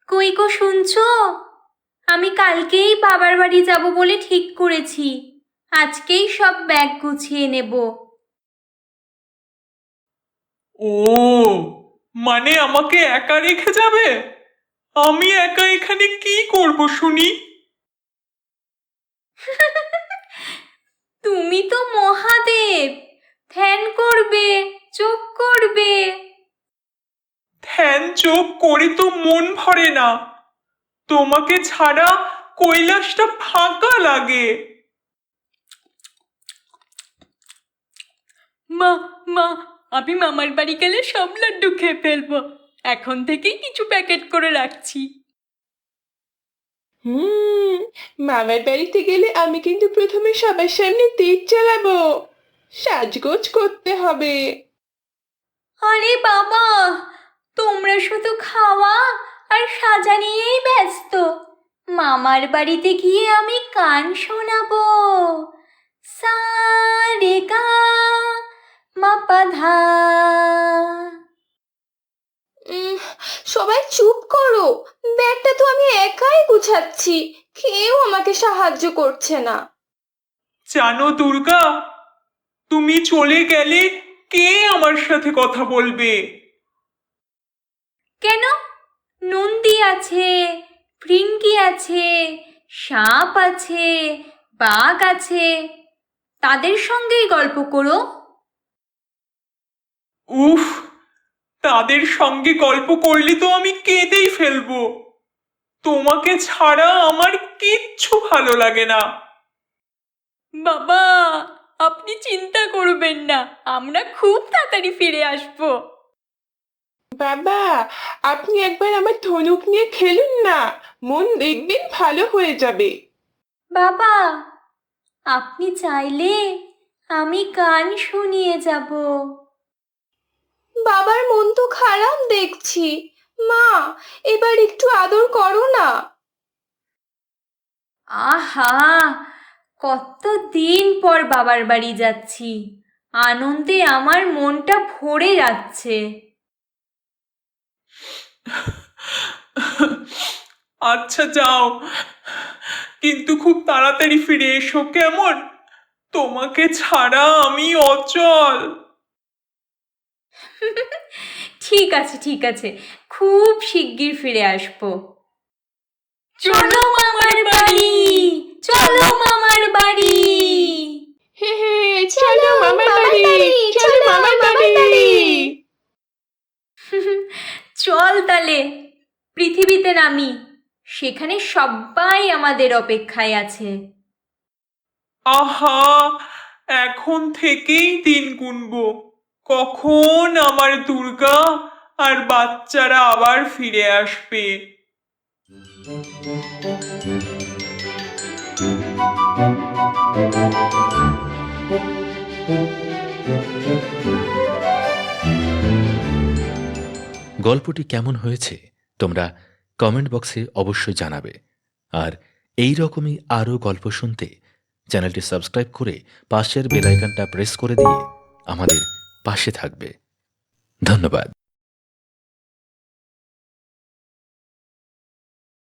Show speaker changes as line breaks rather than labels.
কই গো শুনছো? আমি কালকেই বাবার বাড়ি যাব বলে ঠিক করেছি। আজকেই সব ব্যাগ গুছিয়ে নেব।
ও, মানে আমাকে একা রেখে যাবে? আমি একা এখানে কি করব শুনি?
তুমি তো মহাদেব, ধ্যান করবে, চোখ করবে।
ধ্যান চোখ করে তো মন ভরে না। তোমাকে ছাড়া কৈলাসটা ফাঁকা লাগে।
মা মা আমি মামার বাড়ি গেলে সব লাড্ডু খেয়ে ফেলবো। এখন থেকেই কিছু প্যাকেট করে রাখছি।
হুম। মামার বাড়িতে গেলে আমি কিন্তু প্রথমে সবার সামনে তীর চালাবো। সাজগোজ করতে হবে।
আরে বাবা, তোমরা শুধু খাওয়া আর সাজা নিয়েই ব্যস্ত। মামার বাড়িতে গিয়ে আমি গান শোনাবো। সা রে গা মা পা ধা।
সবাই চুপ করো। ব্যাগটা তো আমি একাই গুছাচ্ছি, কেউ আমাকে সাহায্য করছে না।
জানো দুর্গা, তুমি চলে গেলে কে আমার সাথে কথা বলবে?
কেন? নন্দী আছে, ভৃঙ্গি আছে, সাপ আছে, বাঘ আছে, তাদের সঙ্গেই গল্প করো।
উফ, তাদের সঙ্গে গল্প করলে তো আমি কেঁদেই ফেলবো। তোমাকে ছাড়া আমার কিচ্ছু ভালো লাগে না।
বাবা, আপনি চিন্তা করবেন না, আমরা খুব তাড়াতাড়ি ফিরে আসবো।
বাবা, আপনি একবার আমার ধনুক নিয়ে খেলুন না, মন দেখবেন ভালো হয়ে যাবে।
বাবা, আপনি চাইলে আমি গান শুনিয়ে যাব।
বাবার মন তো খারাপ দেখছি। মা, এবার একটু আদর করো না।
আহা, কত দিন পর বাবার বাড়ি যাচ্ছি, আনন্দে আমার মনটা ভরে যাচ্ছে।
আচ্ছা যাও, কিন্তু খুব তাড়াতাড়ি ফিরে এসো কেমন? তোমাকে ছাড়া আমি অচল।
ঠিক আছে, ঠিক আছে, খুব শিগগির ফিরে আসবো। চলো মামার বাড়ি, চলো মামার বাড়ি।
হে হে, চলো মামার বাড়ি, চলো মামার বাড়ি।
চল তালে পৃথিবীতে নামি, সেখানে সবাই আমাদের অপেক্ষায় আছে।
আহা, এখন থেকেই দিন গুনবো, কখন আমার দুর্গা আর বাচ্চারা আবার ফিরে আসবে।
গল্পটি কেমন হয়েছে তোমরা কমেন্ট বক্সে অবশ্যই জানাবে। আর এই রকমই আরও গল্প শুনতে চ্যানেলটি সাবস্ক্রাইব করে পাশের বেল আইকনটা প্রেস করে দিয়ে আমাদের পাশে থাকবে। ধন্যবাদ।